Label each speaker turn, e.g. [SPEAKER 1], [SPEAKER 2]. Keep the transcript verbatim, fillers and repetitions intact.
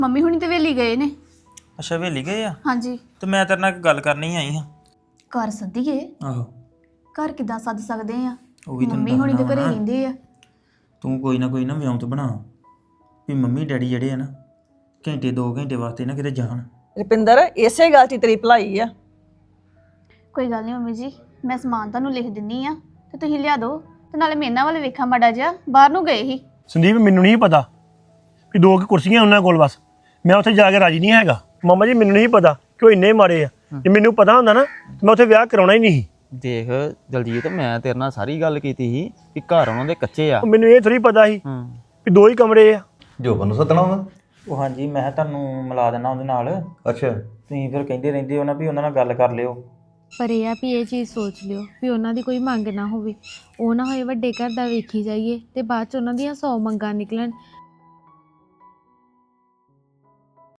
[SPEAKER 1] Mummy ਹੁਣੀ ਤੇ ਵੇਲੀ ਗਏ ਨੇ।
[SPEAKER 2] ਅੱਛਾ ਵੇਲੀ ਗਏ ਆ
[SPEAKER 1] ਹਾਂਜੀ।
[SPEAKER 2] ਤੇ ਮੈਂ ਤੇਰੇ ਨਾਲ ਇੱਕ ਗੱਲ ਕਰਨੀ ਆਈ ਹਾਂ।
[SPEAKER 1] ਘਰ ਸੱਦੀਏ?
[SPEAKER 2] ਆਹੋ
[SPEAKER 1] ਘਰ ਕਿੱਦਾਂ ਸੱਦ ਸਕਦੇ ਆ?
[SPEAKER 2] ਉਹ ਵੀ ਤੈਨੂੰ
[SPEAKER 1] ਮੰਮੀ ਹੁਣੀ ਤੇ
[SPEAKER 2] ਦੱਸਣਾ
[SPEAKER 1] ਘਰੇ
[SPEAKER 2] ਵਾ ਨਾ।
[SPEAKER 1] ਰਹਿੰਦੇ ਆ।
[SPEAKER 2] ਤੂੰ ਕੋਈ ਨਾ ਕੋਈ ਨਾ ਵਿਉਂਤ ਬਣਾ ਵੀ ਮੰਮੀ ਡੈਡੀ ਜਿਹੜੇ ਆ ਨਾ ਘੰਟੇ ਦੋ ਘੰਟੇ ਵਾਸਤੇ ਨਾ ਕਿਤੇ ਜਾਣ।
[SPEAKER 3] ਰੁਪਿੰਦਰ ਇਸੇ ਗੱਲ 'ਚ ਤੇਰੀ ਭਲਾਈ ਆ।
[SPEAKER 1] ਕੋਈ ਗੱਲ ਨਹੀਂ ਮੰਮੀ ਜੀ, ਮੈਂ ਸਮਾਨ ਤੁਹਾਨੂੰ ਲਿਖ ਦਿੰਨੀ ਆ ਤੇ ਤੁਸੀਂ ਲਿਆ ਦਿਓ ਤੇ ਨਾਲੇ ਮੇਰੇ ਨਾਲ ਵਾਲੇ ਵੇਖਾਂ ਮਾੜਾ ਜਿਹਾ, ਬਾਹਰ ਨੂੰ ਗਏ ਸੀ।
[SPEAKER 4] ਸੰਦੀਪ ਮੈਨੂੰ ਨਹੀਂ ਪਤਾ ਵੀ ਦੋ ਕੁ ਕੁਰਸੀਆਂ ਉਹਨਾਂ ਕੋਲ, ਬਸ ਮੈਂ ਉੱਥੇ ਜਾ ਕੇ ਰਾਜੀ ਨਹੀਂ ਹੈਗਾ। ਮਾਮਾ ਜੀ ਮੈਨੂੰ ਨਹੀਂ ਪਤਾ ਕਿ ਉਹ ਇੰਨੇ ਮਾੜੇ ਆ। ਜੇ ਮੈਨੂੰ ਪਤਾ ਹੁੰਦਾ ਨਾ ਮੈਂ ਉੱਥੇ ਵਿਆਹ ਕਰਾਉਣਾ ਹੀ ਨਹੀਂ ਸੀ।
[SPEAKER 5] ਦੇਖ ਦਲਜੀਤ, ਮੈਂ ਤੇਰੇ ਨਾਲ ਸਾਰੀ ਗੱਲ ਕੀਤੀ ਸੀ ਕਿ ਘਰ ਉਹਨਾਂ ਦੇ ਕੱਚੇ ਆ।
[SPEAKER 4] ਉਹ ਮੈਨੂੰ ਇਹ ਥੋੜੀ ਪਤਾ ਸੀ
[SPEAKER 5] ਹੂੰ
[SPEAKER 4] ਵੀ ਦੋ ਹੀ ਕਮਰੇ ਆ।
[SPEAKER 6] ਜੋਬਨ ਨੂੰ ਸੱਦਣਾ ਵਾ।
[SPEAKER 2] ਉਹ ਹਾਂਜੀ ਮੈਂ ਕਿਹਾ ਤੁਹਾਨੂੰ ਮਿਲਾ ਦਿੰਦਾ ਉਹਦੇ ਨਾਲ।
[SPEAKER 6] ਅੱਛਾ
[SPEAKER 2] ਤੁਸੀਂ ਫਿਰ ਕਹਿੰਦੇ ਰਹਿੰਦੇ ਹੋ ਨਾ ਵੀ ਉਹਨਾਂ ਨਾਲ ਗੱਲ ਕਰ ਲਿਓ।
[SPEAKER 7] ਪਰ ਇਹ ਆ ਵੀ ਇਹ ਚੀਜ਼ ਸੋਚ ਲਿਓ ਵੀ ਉਹਨਾਂ ਦੀ ਕੋਈ ਮੰਗ ਨਾ ਹੋਵੇ। ਉਹ ਨਾ ਹੋਏ ਵੱਡੇ ਘਰ ਦਾ ਵੇਖੀ ਜਾਈਏ ਤੇ ਬਾਅਦ ਚ ਉਹਨਾਂ ਦੀਆਂ ਸੌ ਮੰਗਾਂ ਨਿਕਲਣ